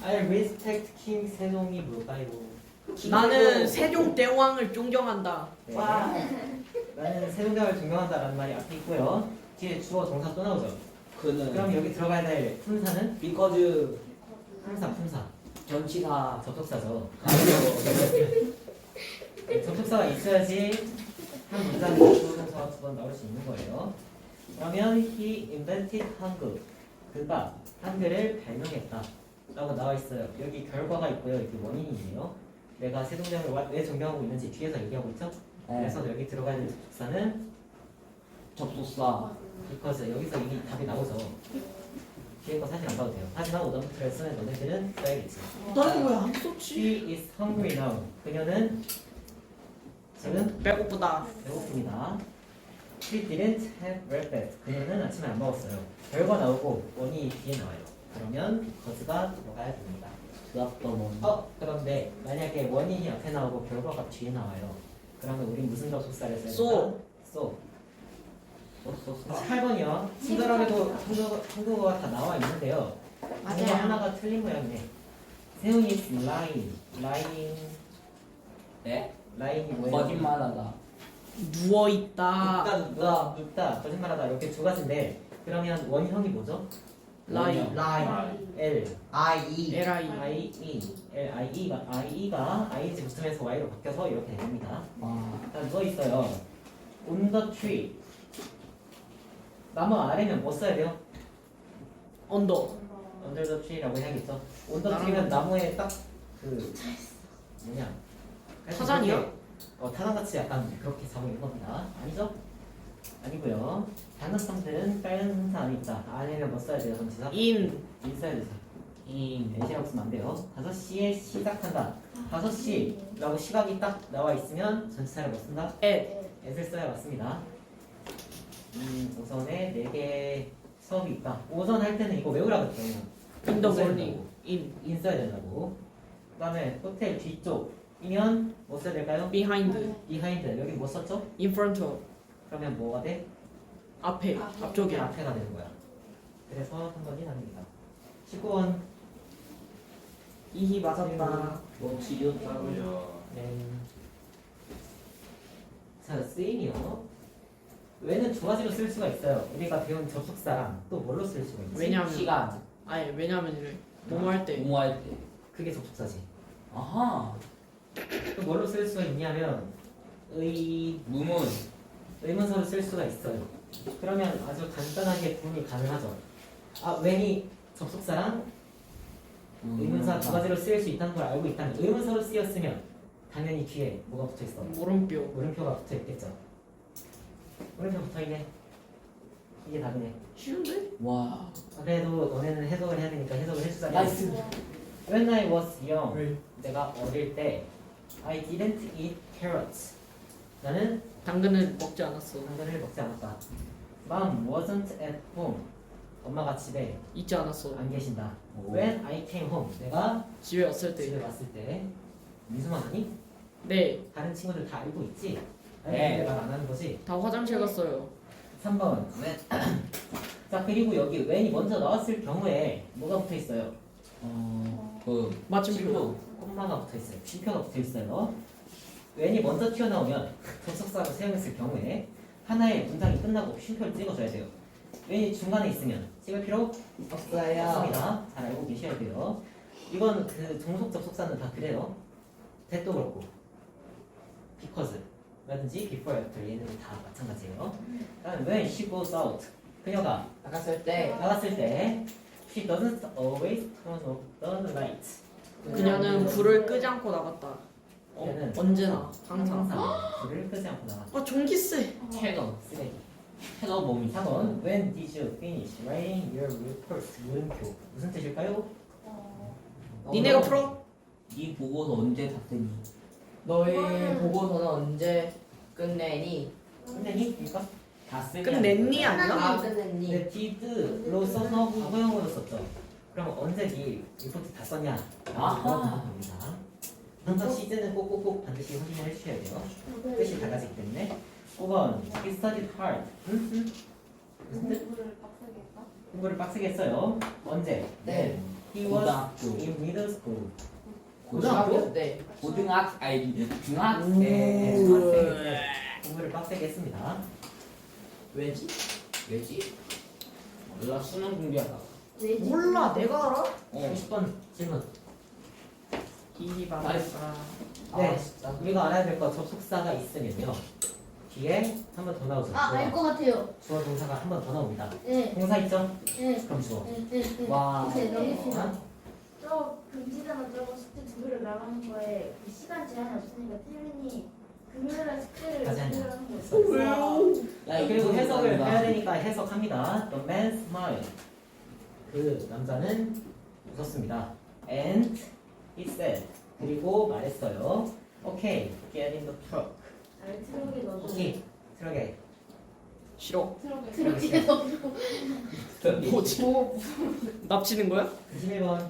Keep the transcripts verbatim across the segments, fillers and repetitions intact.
I respect King 세종이 뭘까요? 나는 세종대왕을 존경한다. 네. 와. 나는 세종대왕을 존경한다라는 말이 앞에 있고요. 뒤에 주어 동사 또 나오죠. 그는 그럼 여기 들어가야 될 품사는 because 품사 품사 전치사 접속사죠. 아니요. 네, 접속사가 있어야지 한 문장에 주어 동사가 두 번 나올 수 있는 거예요. 그러면 he invented 한글 그가 한글을 발명했다 라고 나와 있어요. 여기 결과가 있고요. 여기 원인이에요. 내가 세종대왕을 왜 존경하고 있는지 뒤에서 얘기하고 있죠. 네. 그래서 여기 들어가야 될 접속사는 접속사 because 여기서 이미 답이 나오죠. 뒤에 거 사진 안 봐도 돼요. 하지만 오답부터를 쓰는 너네들은 써야겠지. 나는 왜 안 썼지? She is hungry now. 그녀는 지금 배고프다. 배고픕니다. She didn't have breakfast. 그녀는 아침에 안 먹었어요. 결과 나오고 원인이 뒤에 나와요. 그러면 cause가 들어가야 됩니다. 드랍더 원 어? 그런데 만약에 원인이 앞에 나오고 결과가 뒤에 나와요. 그러면 우린 무슨 접속사를 써야 So. 될까? So. 팔 번이요. 친절하게도 한국어, 한국어가 다 나와 있는데요. 맞아요. 뭔가 하나가 틀린 모양이네. 세훈이 is lying. lying. 네? lying이 뭐예요? 거짓말하다 누워 있다. 눕다, 눕다, 눕다, 거짓말하다 이렇게 두 가지인데 그러면 원형이 뭐죠? 라이. lie. L. I E. L I. I E. L I E가 I E가 I G 붙으면서 Y로 바뀌어서 이렇게 됩니다. 와 자, 누워 있어요. On the tree. 나무 아래면 뭐 써야 돼요? 언더. under the tree라고 해야겠죠. on the tree면 나무에 딱 그 뭐냐? 타잔이요? 그렇게, 어 타잔같이 약간 그렇게 자고 있는 겁니다. 아니죠? 아니고요. 단어성들은 빨간 형사 안에 있다. 안에는 뭐 써야 돼요? 전치사? in. 인 써야 되죠. 인 내시라고 쓰면 안 돼요. 다섯 시에 시작한다. 다섯 시라고 시각이 딱 나와 있으면 전치사를 뭐 쓴다? at. at을 써야 맞습니다. 음, 오전에 네 개 수업이 있다. 오전 할 때는 이거 외우라 그랬죠. in the morning. in. 인 써야 된다고. 그 다음에 호텔 뒤쪽이면 뭐 써야 될까요? behind. behind. 여기 뭐 썼죠? in front of. 그러면 뭐가 돼? 앞에. 저기 앞쪽에. 앞에가 되는 거야. 그래서 한 번이 답니다. 십구 번. 이히 맞았다. 뭐 지렸다고요 네. 자, 쓰임이요. 왜는 두 가지로 쓸 수가 있어요. 우리가 배운 접속사랑 또 뭘로 쓸 수가 있지? 왜냐면 시간 아니 왜냐면 이래. 뭐뭐 할 때. 공부할 때 그게 접속사지. 아하 또 뭘로 쓸 수가 있냐면 의 무문 의문사로 쓸 수가 있어요. 그러면 아주 간단하게 구분이 가능하죠. 아, when이 접속사랑 의문사 두 가지로 쓰일 수 있다는 걸 알고 있다면 의문사로 쓰였으면 당연히 뒤에 뭐가 붙어 있어? 물음표. 물음표가 붙어 있겠죠. 물음표 붙어 있네. 이게 답이네. 쉬운데? 와 아, 그래도 너네는 해석을 해야 되니까 해석을 해주자. 나이스 When I was young, 왜? 내가 어릴 때 I didn't eat carrots. 나는 당근을 먹지 않았어. 당근을 먹지 않았다. Mom wasn't at home. 엄마가 집에 있지 않았어. 안 계신다. 오. When I came home, 내가 집에 왔을 집에 때. 왔을 때 민수만 아니? 네. 다른 친구들 다 알고 있지? 아니 네. 근데 말 안 하는 거지? 다 화장실 갔어요. 삼 번 when. 자 그리고 여기 when이 먼저 나왔을 경우에 뭐가 붙어 있어요? 어그 마침표. 콤마가 붙어 있어요. 쉼표가 붙어 있어요. when이 먼저 튀어나오면 접속사로 사용했을 경우에 하나의 문장이 끝나고 쉼표를 찍어줘야 돼요. when이 중간에 있으면 찍을 필요 없어요. 없습니다. 잘 알고 계셔야 돼요. 이건 그 종속 접속사는 다 그래요. that도 그렇고 because 라든지 before, after 얘는 다 마찬가지예요. 다음 when she goes out 그녀가 나갔을 때 나갔을 때 she doesn't always turn off the light. 그녀는 불을 끄지 않고 나갔다. 어, 얘는 언제나 항상. 항상 불을 끄지 않고 나갔다. 아 전기세. 캐너 쓰레기. 캐너 몸이 삼 번 when did you finish writing your report? 물음표 무슨 뜻일까요? 니네가 풀어? 이 보고서 언제 다 쓰니 너의 보고서는 언제 끝내니? 끝내니? 그러니까 다 쓰니 끝냈니 아니야? 아 끝냈니? 근데 did로 써서 과거형으로 썼죠. 그럼 언제 네 리포트 다 썼냐? 아하. 물어보는 겁니다. 항상 시즌은 꼭꼭꼭 반드시 확인을 해주셔야 돼요. 뜻이 달라지기 때문에. 오 번 he studied hard. 응? 응? 무슨 뜻? 공부를 빡세게 했다? 공부를 빡세게 했어요. 언제? 네. He was 고등학교. in middle school. 고등학교 때 고등학 아니 중학생. 네, 중학생. 공부를 빡세게 했습니다. 왜지? 왜지? 몰라 수능 준비하다. 왜지? 몰라 내가 알아? 어. 삼십 번 질문. 이바바. 네, 아 진짜 우리가 알아야 될 거 접속사가 있으면요. 뒤에 한 번 더 나오죠. 아, 알 것 같아요. 주어 동사가 한 번 더 나옵니다. 네, 동사 있죠? 네, 그럼 주어. 네, 네, 네. 와. 네, 넘깁시다. 어? 저 금지다만 저거 숙제 두 개를 나가는 거에 그 시간 제한이 없으니까 태민이 금요일날 숙제를 가지 않냐. 두 개를 하는 거 있어요. 야 그리고 해석을 아니다. 해야 되니까 해석합니다. The man smiled. 그 남자는 웃었습니다. And he said. 그리고 말했어요. Okay, get in the truck. 아니 트럭에 넣어줘. 오케이, 트럭에. 싫어. 그렇게 너무 뭐지? 납치는 거야? 이십일 번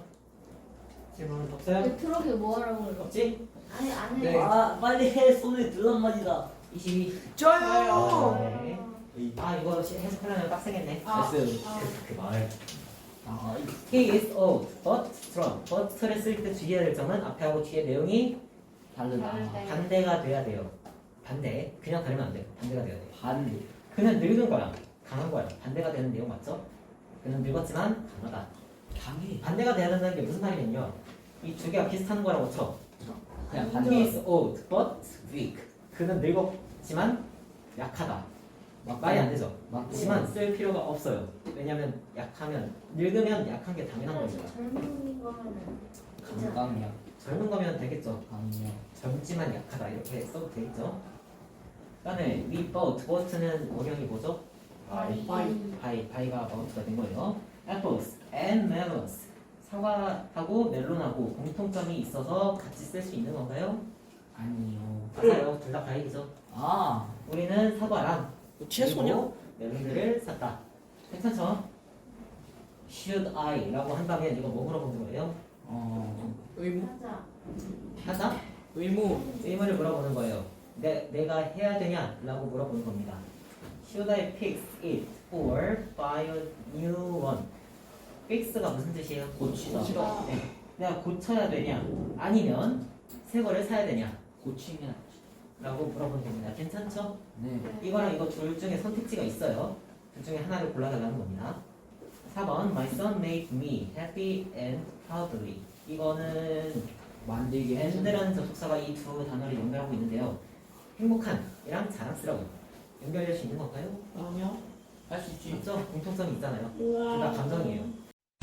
질문 없어요? 그 트럭에 뭐 하라고 그래? 없지? 아니 안에 네. 아 빨리 해 손에 들란 말이다. 이십이. 저요. 네. 아 이거 시- 해석하려면 빡세겠네. 아, 됐어요. 아. 그, 그 말. 아 He is old, but strong. but를 쓸 때 주의해야 될 점은 앞에 하고 뒤에 내용이 다르다. 다르다. 반대가 돼야 돼요. 반대. 그냥 다르면 안 돼요. 반대가 돼야 돼요. 반대. 그는 늙은 거야. 강한 거야. 반대가 되는 내용 맞죠? 그는 늙었지만 강하다. 강해. 반대가 돼야 된다는 게 무슨 말이냐면요. 이 두 개가 비슷한 거라고 쳐. 그냥 He 반대. is old, but weak. 그는 늙었지만 약하다. 말이 안 되죠. 하지만 쓸 필요가 없어요. 왜냐면 약하면 늙으면 약한 게 당연한 그래서 거니까. 젊은 거면은 괜찮아. 강강이야. 젊은 거면 되겠죠. 강이야. 젊지만 약하다 이렇게 써도 되겠죠. 그다음에 we bought, bought는 원형이 뭐죠? 바이. 바이, 바이가 bought가 된 거예요. apples and melons. 사과하고 멜론하고 공통점이 있어서 같이 쓸 수 있는 건가요? 아니요. 맞아요. 둘 다 바이죠. 아 우리는 사과랑 채소냐? 그리고 멜론들을 샀다. 괜찮죠? Should I? 라고 한다면 이거 뭐 물어보는 거예요? 어. 의무. 하자. 하자? 의무. 의문을 물어보는 거예요. 내, 내가 해야 되냐? 라고 물어보는 겁니다. Should I fix it or buy a new one? fix가 무슨 뜻이에요? 고치다. 고치다. 네. 내가 고쳐야 되냐? 아니면 새 거를 사야 되냐? 고치면 라고 물어보는 겁니다. 괜찮죠? 네. 이거랑 이거 둘 중에 선택지가 있어요. 둘 중에 하나를 골라달라는 겁니다. 사 번 My son made me happy and proudly. 이거는 만들기 해준. and라는 접속사가 이 두 단어를 연결하고 있는데요. 행복한 이랑 자랑스러운 연결될 수 있는 건가요? 아니야. 할 수 있지. 맞죠? 공통점이 있잖아요. 둘 다 감정이에요.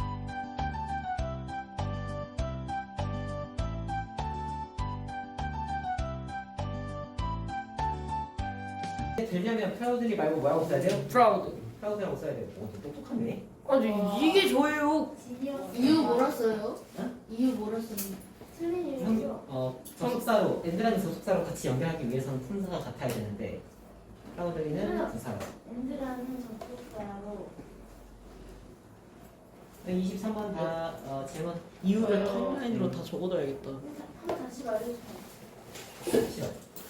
되려면 proudly 말고 뭐라고 써야 돼요? 프라우드. proud라고 써야 돼요. 오, 똑똑하네. 아니 이게 저예요. 지니어스. 이유 뭐라 써요? 어? 이유 뭐라 써요? 틀린 형, 이유죠. 어, 접속사로 and라는 접속사로 같이 연결하기 위해서는 품사가 같아야 되는데 proudly는 부사로. 엔드라는 접속사로 네, 이십삼 번 다 어, 질문 이유를 텀라인으로 다 적어둬야겠다. 한번 다시 말해주세요. 싫어.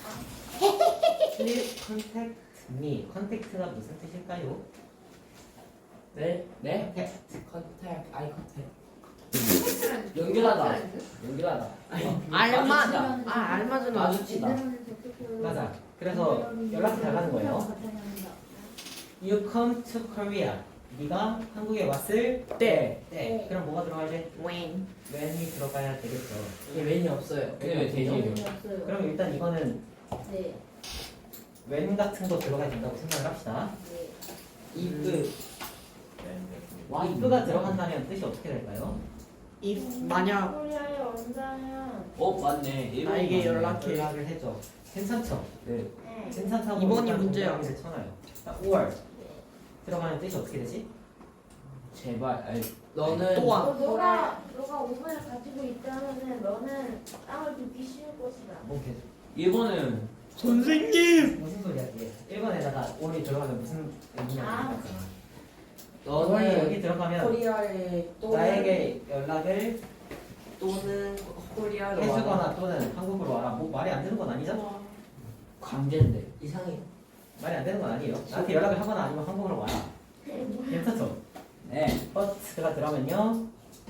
Please contact me. contact가 무슨 뜻일까요? 네? 네? contact. 컨택 아이 컨택 연결하다 연결하다 알맞아. 아 알맞은 아주. 마주치다 맞아. 그래서 연락해 달라는 거예요. You come to Korea. 네가 한국에 왔을 때. 때. 그럼 뭐가 들어가야 돼? 웬. when이 들어가야 되겠죠. 이게 웬이 없어요 근데 왜 되지? 없어요. 그럼 일단 이거는 네. when 같은 거 들어가야 된다고 생각을 합시다. 네. 이브 와, if가 들어간다면 뜻이 어떻게 될까요? if 만약 코리아에 온다면 어 맞네. 나에게 맞네. 연락해. 연락을 해줘. 괜찮죠? 네. 네. 괜찮다고 이번이 일단 문제야. 동작을 쳐놔요. 자, or 들어가는 뜻이 어떻게 되지? 제발. 아이, 너는 또한. 어, 너가 너가 오븐을 가지고 있다면은 너는 땅을 굽기 쉬울 것이다. 뭐 계속 일본은 선생님. 무슨 소리야 이게? 일 번에다가 or이 들어가면 무슨 의미냐 아. 물어봤잖아. or이 너는 여기 들어가면 코리아에 또는 나에게 연락을 또는 코리아로 해주거나 와라. 또는 한국으로 와라. 뭐 말이 안 되는 건 아니죠? 강제인데. 이상해 말이 안 되는 건 아니에요. 나한테 연락을 하거나 아니면 한국으로 와라. 괜찮죠? 네. but가 들어가면요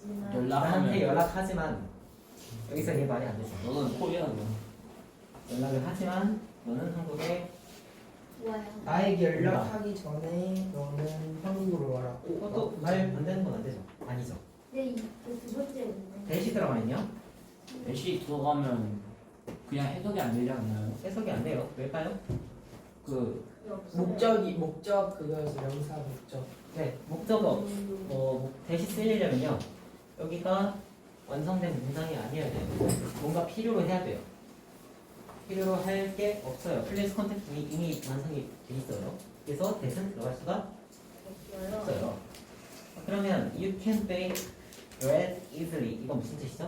있지만 나한테 연락하면 연락하지만 여기서 이게 말이 안 되죠. 너는 코리아노. 연락을 하지만 너는 한국에 좋아요. 나에게 연락하기 전에 너는 한국으로 와라. 오, 그것도 어, 말 안 되는 건 안 되죠. 아니죠. 네, 그두 번째는요. 대시 들어가 있냐? 애쉬 들어가면 그냥 해석이 안 되지 않나요? 해석이 안 돼요. 왜일까요? 그 없어요. 목적이 목적 그거에서 명사 목적. 네, 목적어 어, 대시 쓰려면요. 여기가 완성된 문장이 아니어야 돼요. 뭔가 필요로 해야 돼요. 필요로 할 게 없어요. 플레이스 컨택트이 이미 완성이 돼 있어요. 그래서 대신 들어갈 수가 없어요. 없어요. 그러면 you can bake bread easily 이건 무슨 뜻이죠?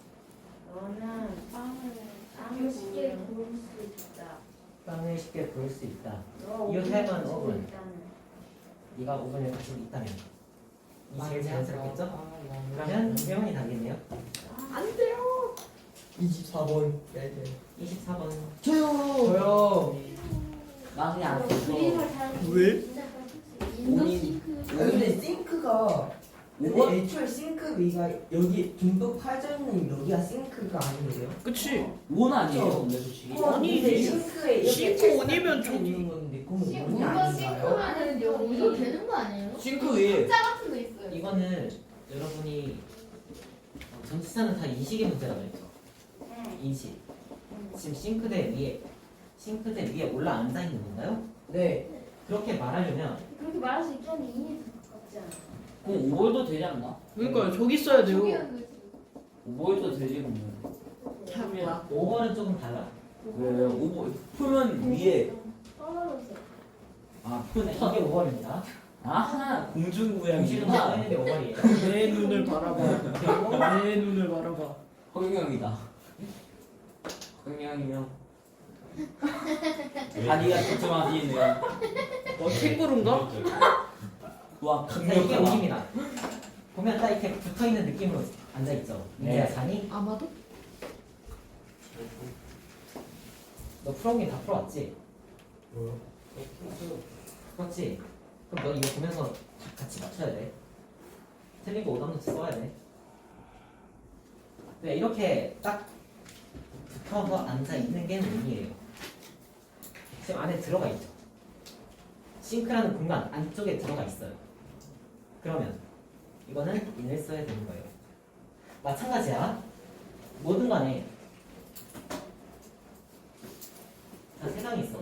너는 빵을 빵을 쉽게 구울 수 있다. 빵을 쉽게 구울 수 있다. 너 You 오븐을 have an 가지고 oven. 있다는. 네가 오븐을 가지고 있다면 이 제일 맞아. 자연스럽겠죠? 아, 맞아. 그러면 회원이 다겠네요. 안 돼요. 이십사 번. 네, 네. 이십사 번 저요. 저요. 나 그냥 안 너 썼어. 그림을 잘 왜? 진짜 잘 쓸수 있어. 인도 본인- 싱크. 아, 근데 싱크가 근데 뭐? 애초에 싱크 위가 여기 듬뿍 파져 있는 여기가 싱크가 아니에요? 그치? 원 아니에요, 그쵸? 근데 솔직히. 아니, 근데 이- 싱크에 이렇게 싱크 딱 원이면 딱 저기- 있는 건데 그건 원이 뭔가 아닌가요? 싱크면은 여기서 되는 거 아니에요? 싱크 위에 짜 같은 거 있어요. 이거는 여러분이 어, 전치사는 다 인식의 문제라고 했죠. 네. 인식. 음. 지금 싱크대 위에 싱크대 위에 올라 앉아 있는 건가요? 네. 그렇게 말하려면 그렇게 말할 수 있겠는데 인이 더 가깝지 않아. 그럼 오버도 되지 않나? 그러니까 저기 써야 돼요. 저기는 거지. 오버도 되지 그러면. 참이야. 오버는 조금 달라. 왜 오버 풀면 위에 떨어져 있어. 아 네, 풀 이게 오버입니다. 아하 공식은 공중부양이구나. 써있는데 오버이에요. 내 눈을 바라봐. 내 눈을 바라봐. 허경영이다. 허경영이요. 다리가 촘촘하시네요. 어, 캥거루인가? 와 자, 이게 강력하다. 오십니다. 보면 딱 이렇게 붙어 있는 느낌으로 앉아 있죠. 네. 이제야 자니? 아마도? 너 풀어오긴 다 풀어왔지? 뭐요? 그렇지? 그럼 너 이거 보면서 같이 맞춰야 돼. 틀린 거 오답노트 써야 돼. 네, 이렇게 딱 붙어서 앉아 있는 게 문이에요. 지금 안에 들어가 있죠. 싱크라는 공간 안쪽에 들어가 있어요. 그러면 이거는 인을 써야 되는 거예요. 마찬가지야. 뭐든 간에 자, 세상이 있어.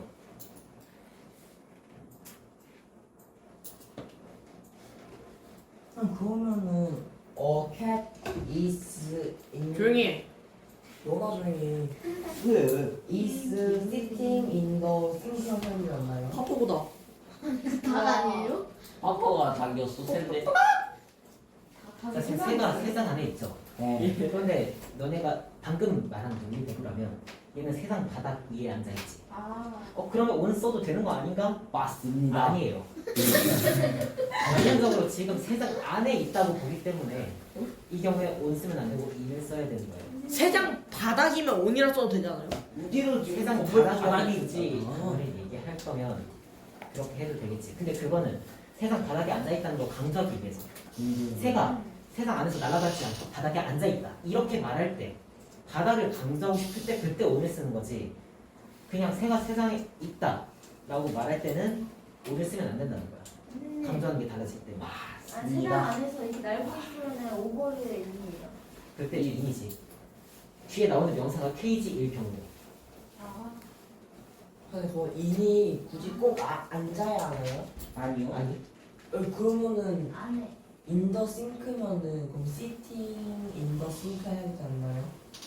그럼 그러면은 어 cat is in 조용히 해. 너가 조용히 왜 왜? is sitting in the sink 하지 않나요? 파포보다. 다 아니에요? 아빠가 닭이었어 샌데. 자, 지금 새가 세상 안에 있죠. 네. 그런데 너네가 방금 말한 논리 대로라면 얘는 세상 바닥 위에 앉아 있지. 아. 어 그러면 온 써도 되는 거 아닌가? 맞습니다. 아니에요. 전형적으로 지금 세상 안에 있다고 보기 때문에 이 경우에 온 쓰면 안 되고 인을 써야 되는 거예요. 세장 바닥이면 온이라 써도 되잖아요. 어디로 세상 바닥이지 그거를 얘기할 거면 그렇게 해도 되겠지. 근데 그거는 세상 바닥에 앉아 있다는 거 강조하기 위해서 새가 세상 안에서 날아가지 않고 바닥에 앉아 있다 이렇게 말할 때 바닥을 강조하고 싶을 때 그때 온을 쓰는 거지. 그냥 새가 세상에 있다 라고 말할 때는 온을 쓰면 안 된다는 거야. 근데 강조하는 게 달라지기 때문에. 아, 세상 안에서 이렇게 날고 있으면 오버의 인이에요. 그때 이 인이지. 뒤에 나오는 명사가 케이지 일 경우. 아. 근데 그 인이 굳이 꼭 아, 앉아야 하나요? 아니요. 아니 어, 그러면은 안에. in the sink면은 그럼 sitting in the sink 해야 되지 않나요?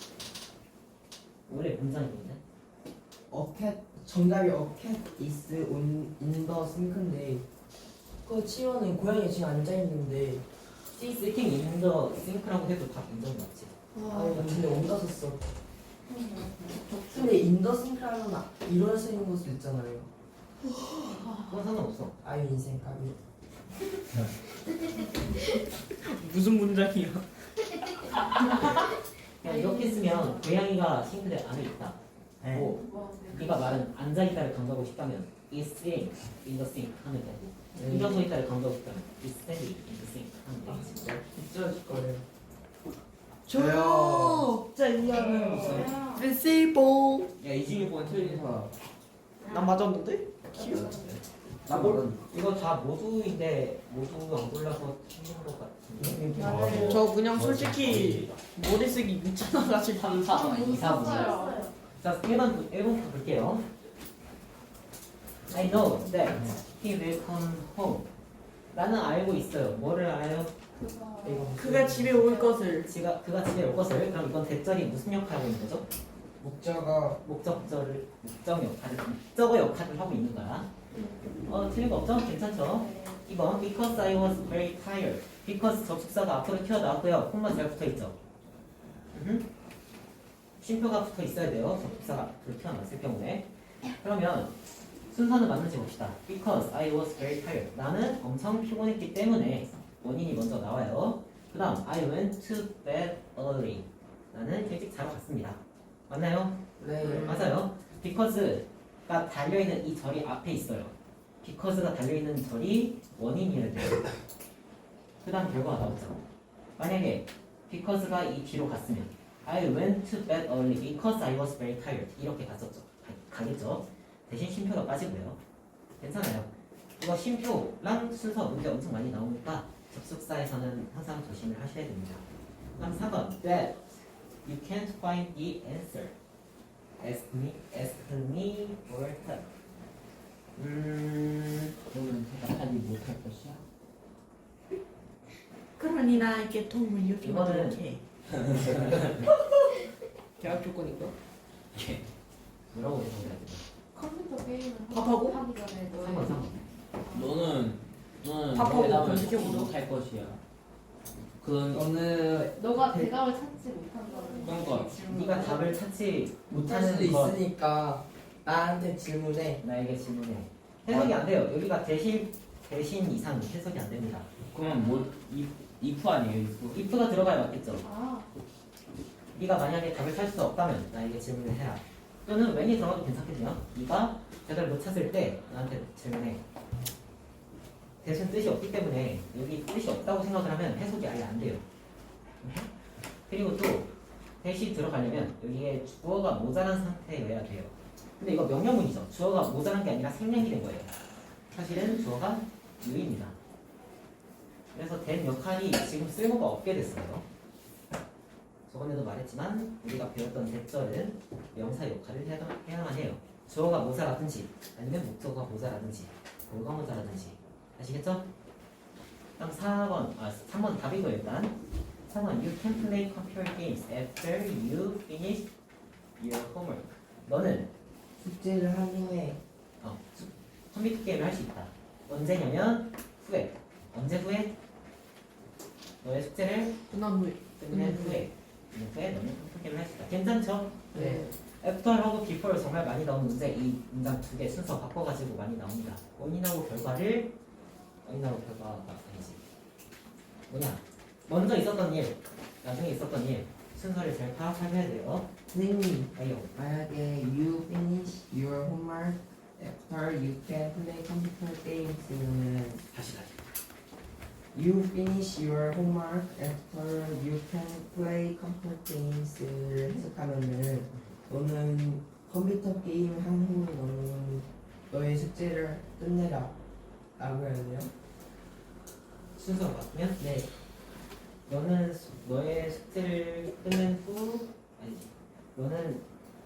원래 문장인데. A cat 정답이 a cat is on, in the sink인데 그거 치면은 고양이 지금 앉아 있는데 시팅 인더 싱크라고 해도 다 인정받지. 아니 나 근데 온다 썼어. 근데 in the sink라면 아- 이런 쓰는 것도 있잖아요. 그건 상관없어. 아유 인생 가비. 무슨 문장이야? 그냥 이렇게 쓰면 고양이가 싱크대 안에 있다. 네. 뭐 네가 말은 앉아 있다를 강조하고 싶다면 is sitting in the sink 하면 돼. 일어서 있다를 강조했다. is standing in the sink 하면 돼. 진짜. 찢어질 거예요. 저요. 진짜 이해하는 아, 레시봉. 야 이십육 번 틀린 사람. 나 맞았는데? 나 모르. 이거 다 모두인데 모두 안 골라서 틀린 것 같은데. 맞아요. 저 그냥 솔직히 머리 쓰기 귀찮아가지고. 삼, 사, 이, 사 분. 썼어요. 자, 일 번, 일 번부터 볼게요. I know that he will come home. 나는 알고 있어요. 뭐를 알아요? 그거. 이거 그가 집에 올 것을. 지가, 그가 집에 올 것을. 그럼 이건 대절이 무슨 역할을 하고 있는 거죠? 목자가 목적절을, 목적 역할을, 목적어 역할을 하고 있는 거야. 어, 틀린 거 없죠? 괜찮죠? 네. 이번 because I was very tired. because 접속사가 앞으로 튀어나왔고요. 콤마 잘 붙어있죠? 음흠. 쉼표가 붙어 있어야 돼요. 접속사가 앞으로 튀어나왔을 경우에. 그러면 순서는 맞는지 봅시다. because I was very tired. 나는 엄청 피곤했기 때문에 원인이 먼저 나와요. 그 다음 I went to bed early. 나는 일찍 자러 갔습니다. 맞나요? 네. 맞아요. because가 달려있는 이 절이 앞에 있어요. because가 달려있는 절이 원인이어야 돼요. 그 다음 결과가 나오죠. 만약에 because가 이 뒤로 갔으면 I went to bed early because I was very tired 이렇게 갔었죠. 가, 가겠죠. 대신 쉼표가 빠지고요. 괜찮아요. 이거 쉼표랑 순서 문제 엄청 많이 나오니까 접속사에서는 항상 조심을 하셔야 됩니다. 다음 사 번 that you can't find the answer. Ask me, ask me for help. 음, 그러면 대답하지 못할 것이야. 그러니 나에게 도움을 이거는- 요청하도록 해. 계약 조건인가? 뭐라고 해석해야 되나? 컴퓨터 게임을 밥하고? 하기 전에 삼 번, 삼 번. 너는 너는 밥하고 대답을 검색해보자. 못할 것이야. 그건 저는 너가 대답을 찾지 못한다는 그러니까 질문. 네가 답을 찾지 못할 수도 못하는 것 있으니까 나한테 질문해. 나에게 질문해. 해석이 안 돼요. 여기가 대신 대신 이상 해석이 안 됩니다. 그러면 뭐 이, if 아니에요 if? if가 들어가야 맞겠죠. 아, 네가 만약에 답을 찾을 수 없다면 나에게 질문을 해라. 또는 when이 들어가도 괜찮겠네요. 네가 대답을 못 찾을 때 나한테 질문해. 대신 뜻이 없기 때문에 여기 뜻이 없다고 생각을 하면 해석이 아예 안 돼요. 그리고 또 대시 들어가려면 여기에 주어가 모자란 상태여야 돼요. 근데 이거 명령문이죠. 주어가 모자란 게 아니라 생략이 된 거예요. 사실은 주어가 유입니다. 그래서 된 역할이 지금 쓸모가 없게 됐어요. 저번에도 말했지만 우리가 배웠던 대절은 명사 역할을 해야, 해야만 해요. 주어가 모자라든지 아니면 목적어가 모자라든지 뭐가 모자라든지 아시겠죠? 다음 사 번, 아 삼 번 답이고요 일단. 삼 번 You can play computer games after you finish your homework. 너는 숙제를 한 후에 어, 수- 컴퓨터 게임을 할 수 있다. 언제냐면 후에. 언제 후에? 너의 숙제를 끝난 후에. 끝낸 음. 후에. 후에 너는 컴퓨터 게임을 할 수 있다. 괜찮죠? 네. 애프터하고 비포를 정말 많이 나오는 문제 이 문장 두 개 순서 바꿔가지고 많이 나옵니다. 원인하고 결과를 원인하고 결과가 아니지. 뭐냐? 먼저 있었던 일, 나중에 있었던 일 순서를 잘 파악해야 돼요. 선생님, 아이요. 만약에 you finish your homework after you can play computer games는 다시 다시. you finish your homework after you can play computer games를 해석하면은 너는 컴퓨터 게임 한 후에 너는 너의 숙제를 끝내라 라고 해야 돼요? 순서가 바꾸면 네. 너는 수- 너의 숙제를 끝낸 후 아니지. 너는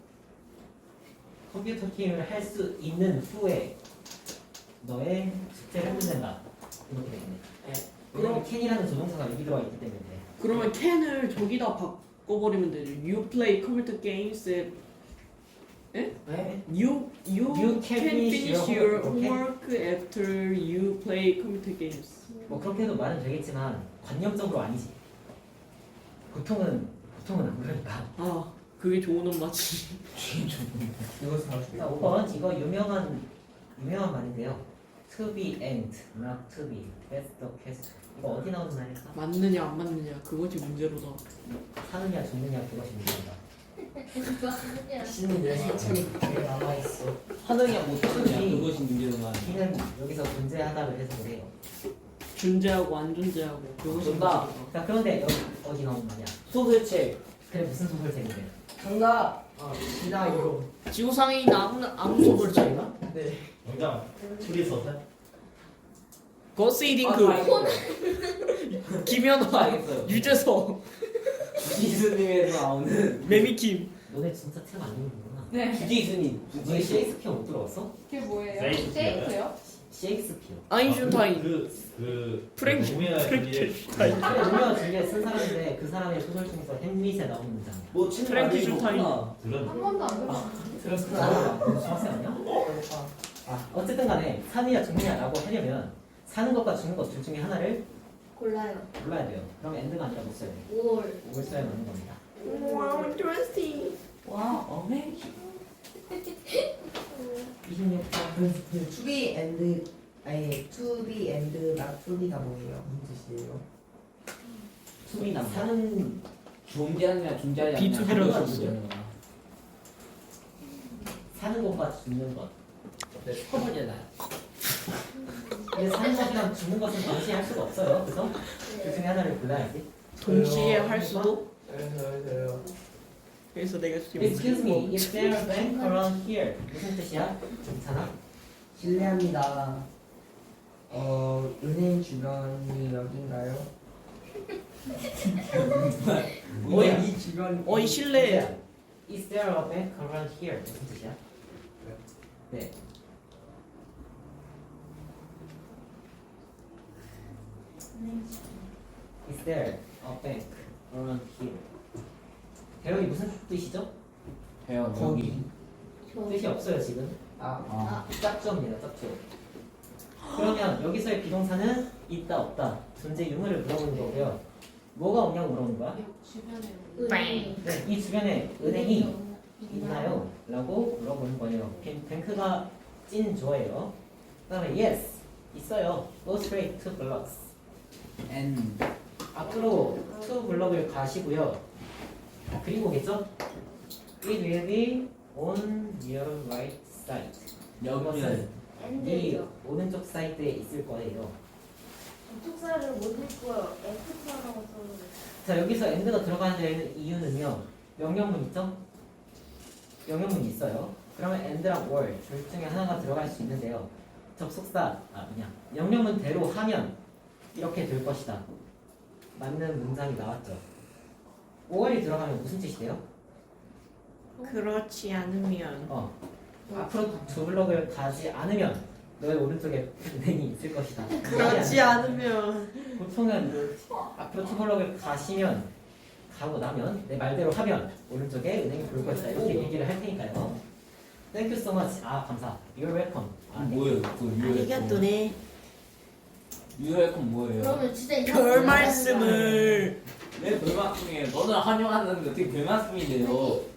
컴퓨터 게임을 할 수 있는 후에 너의 숙제를 끝낸다. 이렇게 되겠네. 왜냐면 캔이라는 조동사가 여기 들어가 있기 때문에. 그러면 캔을 저기다 바꿔버리면 되죠. You play computer games at 네? You you, You can finish your homework, homework after you play computer games. 뭐 그렇게 해도 말은 되겠지만 관념적으로 아니지. 보통은 보통은 안 그러니까. 아 그게 좋은 엄마지. 이거 사실 자, 오 번 이거 유명한 유명한 말인데요. To be and not to be. That's the question. 이거 어디 나오는 말일까? 맞느냐 안 맞느냐 그것이 문제로다. 사느냐 죽느냐 그것이 문제다. 신이 내 상처니 그게 남아있어. 하느냐 못하느냐 이- 그것이 문제구만. B는 여기서 존재하다를 해석을 해요. 존재하고 안 존재하고 그것이 정답. 문제다. 자 그런데 여기 어디 나온 말이야? 소설책. 그래 무슨 소설책인데? 정답. 어, 시나 이거. 지구상에 있는 아무 아무 소설책이나? 네. 정답. 추리소설? 거스이딩크, 아, 김연아, 알겠어요. 유재석, 주지스님에서 나오는 매미킴. 너네 진짜 책 안 읽는구나. 네. 주지스님. 너네 셰익스피어 못 들어봤어? 그게 뭐예요? 셰익스피어요? 셰익스요? 셰익스피어. 아인슈타인. 그, 그, 프랭크- 로미오와 줄리엣. 그래 로미오 줄리엣 쓴 사람인데 그 사람의 소설 중에서 햄릿에 나오는 문장이야. 뭐 친구 프랭키 알고 슈타인. 있구나. 들은 한 번도 안 들어봤어요. 들었어? 너 중학생 아니야? 아 어쨌든 간에 사느냐 죽느냐라고 하려면 사는 것과 죽는 것 둘 중에 하나를 골라요. 골라야 돼요. 그럼 엔드가 아니라 못 써야 돼요. 올. 뭘 써야 하는 겁니다. 와우, 인트레스팅. 와, 어메. 이십육 번. 그 to be and 아니 to be and not to be가 뭐예요? 무슨 뜻이에요? 수비나 사는 존재하느냐 존재하지 비 않느냐. 투 비라고 그것이 하죠. 문제구나. 사는 것과 죽는 것. 네, 슈퍼버잖아요. 근데 사는 것이랑 죽는 것은 동시에 할 수가 없어요. 그래서 그 중에 하나를 골라야지. 동시에 할 수도. 그래서 그래서 내가 지금 Excuse me, is there a bank around here? 무슨 뜻이야? 괜찮아? 실례합니다. 어 은행 주변이 여긴가요? 뭐야? 이 주변. 어이 실례. Is there a bank around here? 무슨 뜻이야? 네. Is there a bank around here? 대역이 무슨 뜻이죠? 배워 거기. 여기. 뜻이 없어요 지금. 아 아, 짝조입니다. 짝조. 그러면 여기서의 비동사는 있다 없다 존재 유무를 물어보는 거고요. 뭐가 오냐고 물어보는 거야? 주변에 은행. 네, 이 주변에 은행이 있나요? 라고 물어보는 거예요. 뱅- 뱅크가 찐 좋아해요. 그 다음에 yes 있어요. Go straight to blocks. N. 앞으로 to 블럭을 가시고요. 그리고겠죠? It will be on your right side. 여기는 이 엔드죠. 오른쪽 사이드에 있을 거예요. 접속사를 못 읽고요. 에프티라고 써요. 자 여기서 end가 들어가는 데는 이유는요. 명령문 있죠? 명령문이 있어요. 그러면 end랑 or 둘 중에 하나가 들어갈 수 있는데요. 접속사 아 그냥 명령문대로 하면 이렇게 될 것이다. 맞는 문장이 나왔죠. or이 들어가면 무슨 뜻이래요? 그렇지 않으면 어 앞으로 두 블럭을 가지 않으면 너의 오른쪽에 은행이 있을 것이다. 그렇지 않으면 보통은 앞으로 두 블럭을 가시면 가고 나면 내 말대로 하면 오른쪽에 은행이 보일 것이다 이렇게 얘기를 할 테니까요. Thank you so much. 아 감사. You're welcome. 아, 뭐예요? 그 유혈. 아리가또네. 유혈건 뭐예요? 그러면 진짜 이상한 별 거 말씀을. 왜 별말씀이에요? 너는 환영하는데 어떻게 별말씀이 돼요?